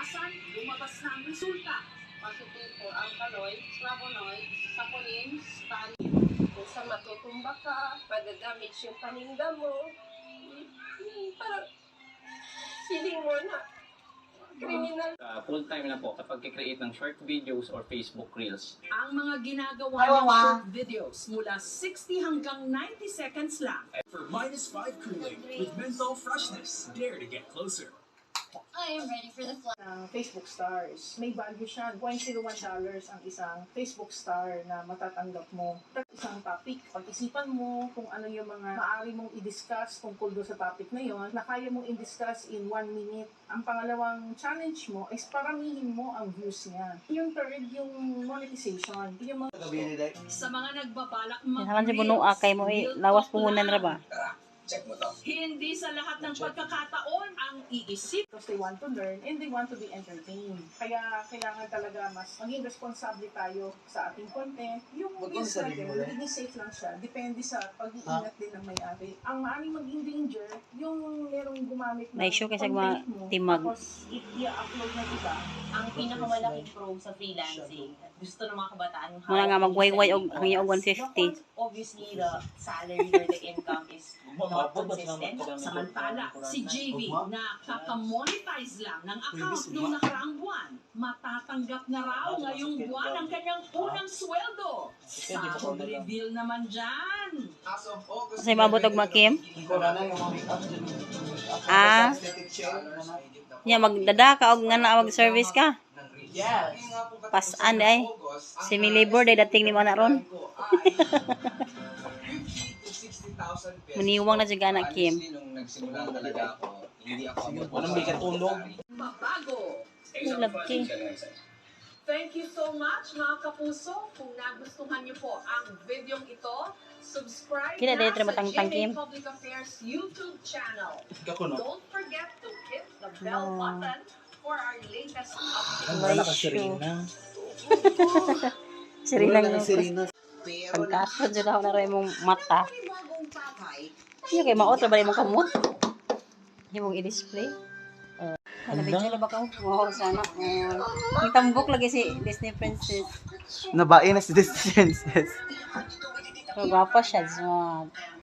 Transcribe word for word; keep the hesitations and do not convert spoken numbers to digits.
kinabukasan, lumabas na ang resulta. Positive for alkaloid, flavonoid, saponin, tannin. Kung sa matutumba ka, madadamage yung paninda mo. Hmm, parang feeling mo na criminal. Uh, full-time na po kapag kikreate ng short videos or Facebook Reels. Ang mga ginagawa ng short videos mula sixty hanggang ninety seconds lang. For minus five cooling with menthol freshness, dare to get closer. I am ready for the flight. Ng Facebook stars. May value siya. zero point zero one dollars ang isang Facebook star na matatanggap mo. Isang topic. Pag-isipan mo kung ano yung mga maaari mong i-discuss tungkol doon sa topic na yon na kaya mong i-discuss in one minute. Ang pangalawang challenge mo is paramihin mo ang views niya. Yung third, yung monetization. Yung mga... Sa mga nagbabalak Halan si Bunua kay mo eh, lawas puhunan ra ba? Check mo to. hindi sa lahat ng pagkakataon ang iisip. Because they want to learn and they want to be entertained. Kaya kailangan talaga mas maging responsable tayo sa ating content. Yung risk natin, magiging safe lang siya. Depende sa pag-iingat din ng may-ari. Ang maaaring maging danger, yung merong gumamit ng Na-issue kasi mga content mo, timag. tapos i-upload na iba. Ang pinakamalaking pro sa freelancing, gusto ng mga kabataan yung Muna nga hawak magwayway sa og sarili hangyo og oras. one fifty. Obviously, the salary or the income is not consistent. Samantala, si J V na kakamonetize lang ng account noong nakaraang buwan, matatanggap na raw ngayong buwan ang kanyang unang sweldo. Sahod reveal naman dyan. Kasi mabot og makim. Ah. Nya magdadaka og nga na mag service ka. Pasan ay. Semi labor day dating ni mo na ron. Muniwang na jud anak Kim. Nung nagsimula talaga ako, hindi ako Walang may katulong. Mabago. Love Kim. Thank you so much mga kapuso. Kung nagustuhan niyo po ang video ito, subscribe Kina na dito sa matangtang, G Kim. M A Public Affairs YouTube channel. Kako no. Don't forget to hit the bell Oh. button for our latest updates. Ang wala ka Serena. Sirina ng pagkasod jud ako na ray mong mata. Iyo kay maot ra ba imong kamot? Imong i-display. Uh, ano ba ba ka? Wow, sana. Uh, ang tambok lagi si Disney Princess. Nabae na si Disney Princess. So, gwapa siya. So,